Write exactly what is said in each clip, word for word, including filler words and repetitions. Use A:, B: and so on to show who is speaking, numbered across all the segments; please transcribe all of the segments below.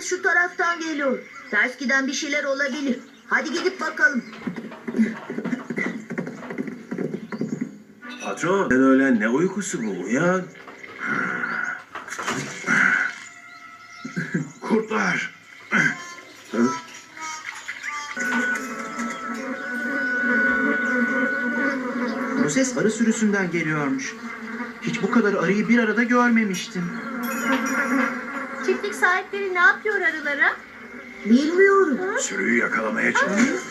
A: şu taraftan geliyor. Ters giden bir şeyler olabilir. Hadi gidip bakalım.
B: Patron, sen öyle ne uykusu bu? Uyan.
C: Kurtlar.
D: Bu ses arı sürüsünden geliyormuş. Hiç bu kadar arıyı bir arada görmemiştim.
E: Çiftlik sahipleri ne yapıyor arılara?
A: Bilmiyorum.
C: Sürüyü yakalamaya çalışıyor.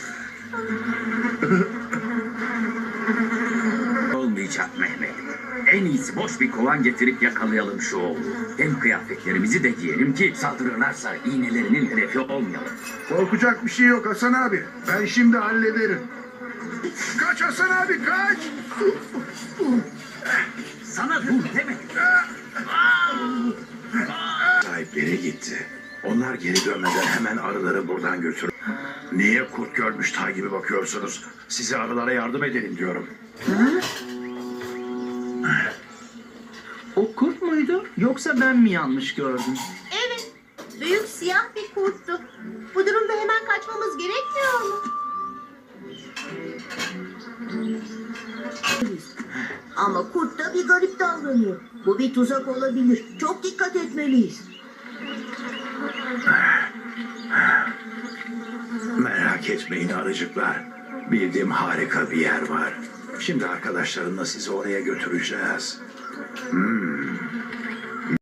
F: Olmayacak Mehmet. En iyisi boş bir kovan getirip yakalayalım şu oğlu. Hem kıyafetlerimizi de giyelim ki saldırırlarsa iğnelerinin hedefi olmayalım.
C: Korkacak bir şey yok Hasan abi. Ben şimdi hallederim. Kaç Hasan abi kaç.
F: Sana dur demedim.
C: Sahipleri gitti. Onlar geri dönmeden hemen arıları buradan götür. Niye kurt görmüş ta gibi bakıyorsunuz? Size arılara yardım edelim diyorum.
D: O kurt muydu yoksa ben mi yanlış gördüm?
E: Evet, büyük siyah bir kurttu. Bu durumda hemen kaçmamız gerekmiyor mu?
A: Ama kurt da bir garip davranıyor. Bu bir tuzak olabilir. Çok dikkat etmeliyiz.
C: Merak etmeyin arıcıklar. Bildiğim harika bir yer var. Şimdi arkadaşlarımla sizi oraya götüreceğiz. Hmm.